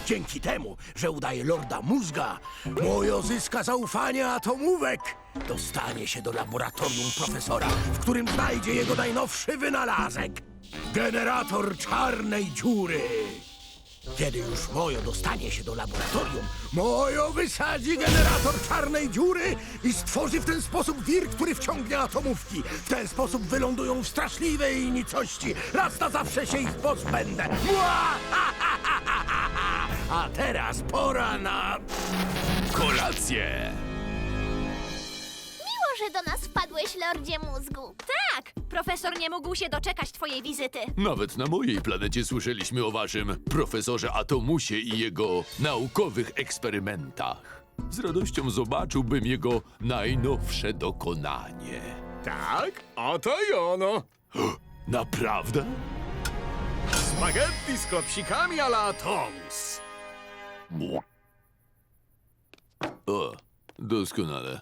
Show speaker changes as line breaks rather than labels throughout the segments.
Dzięki temu, że udaje Lorda Mózga, Mojo zyska zaufanie atomówek. Dostanie się do laboratorium profesora, w którym znajdzie jego najnowszy wynalazek. Generator czarnej dziury. Kiedy już Mojo dostanie się do laboratorium, Mojo wysadzi generator czarnej dziury i stworzy w ten sposób wir, który wciągnie atomówki. W ten sposób wylądują w straszliwej nicości. Raz na zawsze się ich pozbędę. Mua! A teraz pora na
Kolację!
Miło, że do nas wpadłeś, Lordzie Mózgu.
Tak! Profesor nie mógł się doczekać twojej wizyty.
Nawet na mojej planecie słyszeliśmy o waszym profesorze Atomusie i jego naukowych eksperymentach. Z radością zobaczyłbym jego najnowsze dokonanie.
Tak, oto i ono.
Naprawdę?
Spaghetti z klopsikami a la Atomus.
O, doskonale.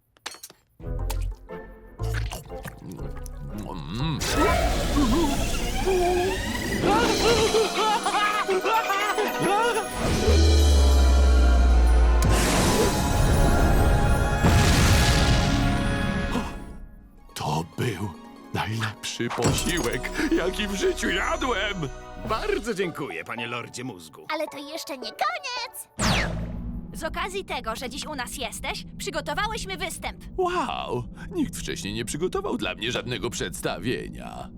To był najlepszy posiłek, jaki w życiu jadłem!
Bardzo dziękuję, panie Lordzie Mózgu.
Ale to jeszcze nie koniec.
Z okazji tego, że dziś u nas jesteś, przygotowałyśmy występ.
Wow! Nikt wcześniej nie przygotował dla mnie żadnego przedstawienia.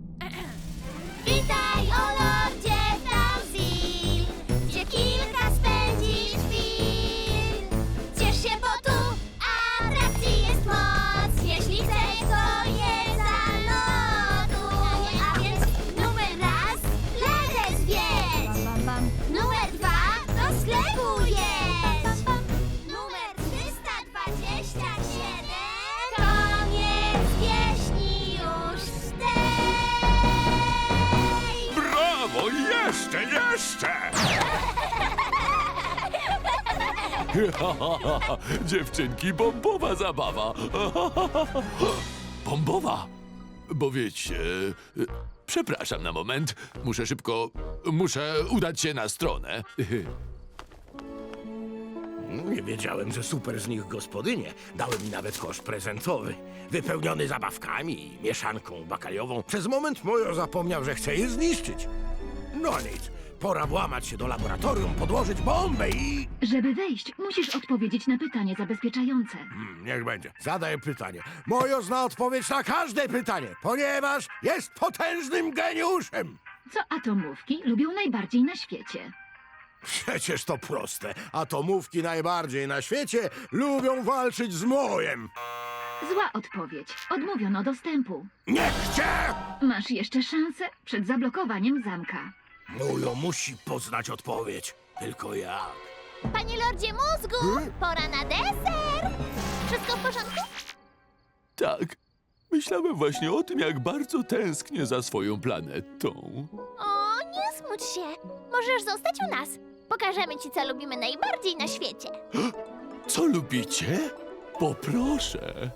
Witaj, o Lordzie Tamsil, gdzie kilka spędzisz chwil. Ciesz się, bo tu atrakcji jest moc. Jeśli chcesz, to je zaloduj. A więc numer raz, plażę zwiedź. Numer dwa, do sklepu jedź. Numer 327, koniec pieśni już tej.
Brawo! Jeszcze, jeszcze! Dziewczynki, bombowa zabawa! Bombowa! Bo wiecie... Przepraszam na moment. Muszę udać się na stronę.
Nie wiedziałem, że super z nich gospodynie dały mi nawet kosz prezentowy, wypełniony zabawkami i mieszanką bakaliową. Przez moment Mojo zapomniał, że chce je zniszczyć. No nic, pora włamać się do laboratorium, podłożyć bombę i...
Żeby wejść, musisz odpowiedzieć na pytanie zabezpieczające.
Niech będzie. Zadaję pytanie. Mojo zna odpowiedź na każde pytanie, ponieważ jest potężnym geniuszem.
Co atomówki lubią najbardziej na świecie?
Przecież to proste. Atomówki najbardziej na świecie lubią walczyć z Mojem.
Zła odpowiedź. Odmówiono dostępu.
Nie chcę!
Masz jeszcze szansę przed zablokowaniem zamka.
Mojo musi poznać odpowiedź. Tylko ja.
Panie Lordzie Mózgu, pora na deser. Wszystko w porządku?
Tak. Myślałem właśnie o tym, jak bardzo tęsknię za swoją planetą.
O, nie smuć się. Możesz zostać u nas. Pokażemy ci, co lubimy najbardziej na świecie.
Co lubicie? Poproszę.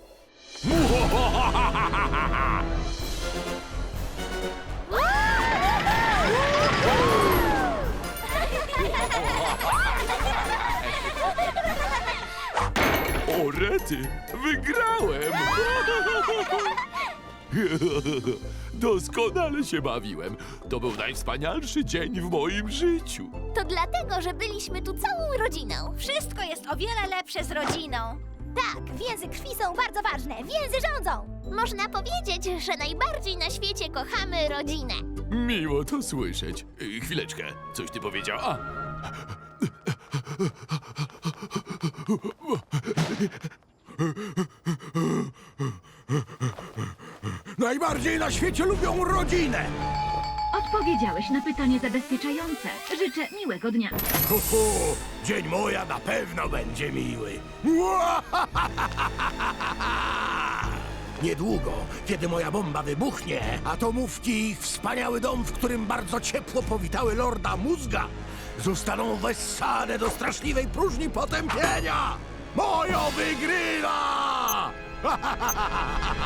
O rety, wygrałem! Doskonale się bawiłem. To był najwspanialszy dzień w moim życiu.
To dlatego, że byliśmy tu całą rodziną.
Wszystko jest o wiele lepsze z rodziną.
Tak, więzy krwi są bardzo ważne. Więzy rządzą. Można powiedzieć, że najbardziej na świecie kochamy rodzinę.
Miło to słyszeć. Chwileczkę, coś ty powiedział? A.
Najbardziej na świecie lubią rodzinę.
Odpowiedziałeś na pytanie zabezpieczające. Życzę miłego dnia.
Dzień Moja na pewno będzie miły. Niedługo, kiedy moja bomba wybuchnie, atomówki i ich wspaniały dom, w którym bardzo ciepło powitały Lorda Mózga, zostaną wessane do straszliwej próżni potępienia. Mojo wygrywa!